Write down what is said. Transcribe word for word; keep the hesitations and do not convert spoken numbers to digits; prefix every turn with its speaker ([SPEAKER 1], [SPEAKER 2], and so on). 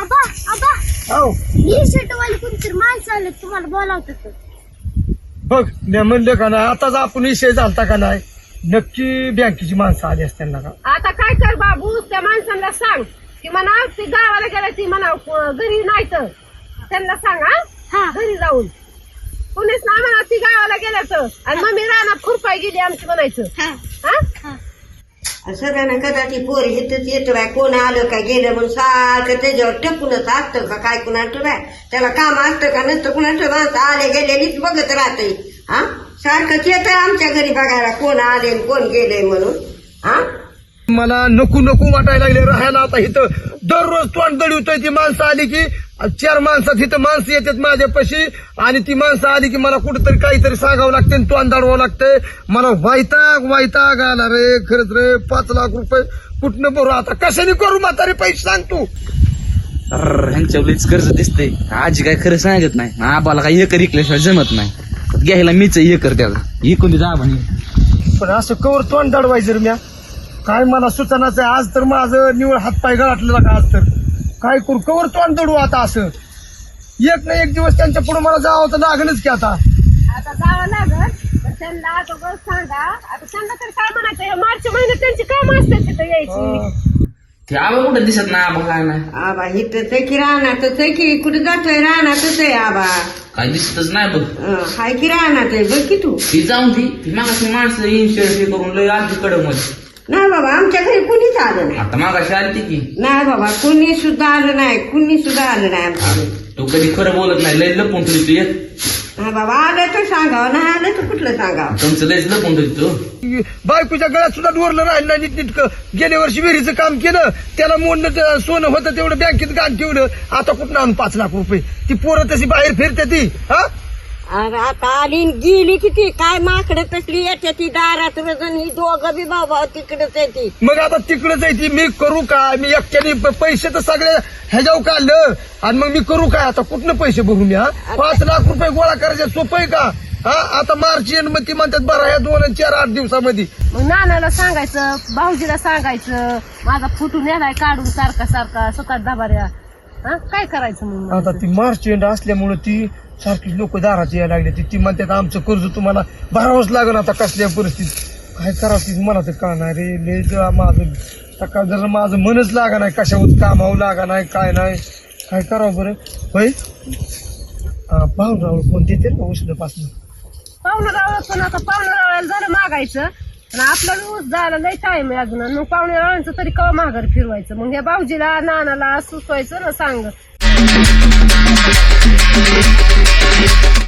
[SPEAKER 1] आबा आबा
[SPEAKER 2] हो
[SPEAKER 1] ही शर्टवाली कोणतरी माणसं आले तुम्हाला बोलावतात.
[SPEAKER 2] बघ मी म्हणलं का नाही आताच आपण विषय झालता का नाही नक्की बँकेची माणसं आली असतील ना का.
[SPEAKER 3] आता काय कर बाबू त्या माणसांना सांग की म्हणा ती गावाला गेला ती म्हणा घरी नाही तर त्यांना सांग हा घरी जाऊन कुणीच ना म्हणा ती गावाला गेल्याचं आणि मग मी रानात खुरपाय गेली आमची म्हणायचं. हा
[SPEAKER 4] सगळ्यांना कदाचित पोरी इथंच येतो बाय कोण आलं का गेलं म्हणून सारखं त्याच्यावर टपूनच असतं का काय कुणाचं बाय त्याला काम असतं का नसतं कुणाचं माणसं आले गेलेलीच बघत राहते. हा सारखंच येतं आमच्या घरी बघायला कोण आले कोण गेले म्हणून. हा
[SPEAKER 2] मला नको नको वाटायला लागले राहायला आता इथं दररोज तोंड दळवतोय ती माणसं आली की चार माणसात इथं माणसं येतात माझ्यापाशी आणि ती माणसं आली की मला कुठेतरी काहीतरी सांगावं लागते तोंड दाडवावं लागतंय. मला वैताग वैताग आला रे खरंच रे. पाच लाख रुपये कुठनं भरू आता कशाने करू म्हातारे पैसे सांग तू.
[SPEAKER 5] ह्यांच्या लईच कर्ज दिसतंय आजी काय खरं सांगत नाही आबाला काही एकर इकल्याशिवाय जमत नाही घ्यायला मीच एकर द्यावं इकून दे आबा.
[SPEAKER 2] पण असं कवर तोंड दाडवायचं रे म्या काय मला सुचनाचं आहे. आज तर माझं निवड हातपाय गळाटलेला का आज तर काय करू कवर तोंड दडू आता असं एक ना एक दिवस त्यांच्या पुढे मला जावं तर लागणच की आता.
[SPEAKER 3] आता जावं लागत तर त्यांना आता बस सांगा आता त्यांना तर काय म्हणायचं मार्च महिन्यात त्यांची काम असतात तिथं यायची.
[SPEAKER 5] ते आबा कुठं दिसत ना आबा काय नाही
[SPEAKER 4] आबा इथंच आहे की रानातच आहे की कुठे जातोय रानातच आहे आबा.
[SPEAKER 5] काय दिसतच नाही बघ.
[SPEAKER 4] अं, हाय की रानात आहे बघ की तू.
[SPEAKER 5] ती जाऊन ती ती मागाशी माणसं इन्शुरन्स हे करून लय आधी कडक मध्ये
[SPEAKER 4] नाही बाबा आमच्या घरी कुणीच आलं नाही.
[SPEAKER 5] आता मागाशी आली ती की
[SPEAKER 4] नाही बाबा कुणी सुद्धा आलं नाही कुणी सुद्धा आलं नाही आमच्या घरी.
[SPEAKER 5] तू कधी खरं बोलत नाही लय लपून ठेवली तू येत
[SPEAKER 4] नाही बाबा आलं तर सांगावं नाही आलं तर कुठलं सांगावं.
[SPEAKER 5] तुमचं लयच लपून ठेवली तू.
[SPEAKER 2] बायकोच्या गळ्यात सुद्धा डोरलं राहिलं नाही नीटनीटकं. गेल्या वर्षी विहिरीचं काम केलं त्याला मोडणं ते सोनं होतं तेवढं बँकेत गाण ठेवलं आता कुठं आणून पाच लाख रुपये. ती पोरं तशी बाहेर फिरते ती. हा
[SPEAKER 4] अरे आता आली न गेली किती काय माकडं कसली येते ती दारात रजन ही दोघं बी बाबा तिकडच येते.
[SPEAKER 2] मग आता तिकडे जायची मी करू काय मी एकट्याने प- पैसे तर सगळे ह्याच्यावर काढलं आणि मग मी करू काय आता कुठनं पैसे भरू मी. हा पाच लाख रुपये गोळा करायचे सोपं आहे का. हा आता मार्च एंड मध्ये म्हणतात बरं या दोन आणि चार आठ दिवसामध्ये.
[SPEAKER 3] मग नानाला सांगायचं भाऊजीला सांगायचं माझा फुटून नेलाय काढून सारखा सारखा स्वतः दाबाऱ्या. हा काय करायचं मग
[SPEAKER 2] आता ती मार्च एंड असल्यामुळे ती सारखी लोक दारात यायला लागले ती ती म्हणतात आमचं कर्ज तुम्हाला भरावंच लागेल आता कसल्या परिस्थितीत काय करावं ती मला तर कळणार रे. लय ज- माझं सकाळ जर माझं मनच लागा नाही कशावर कामावं लागा नाही काय नाही काय करावं बरं होय. पाहुणराव कोण देते ना उष्ण पासून
[SPEAKER 3] पाहुणं रावळ पण आता पाहुणं रावळ्याला झालं मागायचं आणि आपल्याला ऊस जायला लय टाइम आहे अजून मग पाहुणे रावळ्यांचं तरी कवा माघार फिरवायचं मग या भाऊजीला नानाला सुचवायचं ना सांग.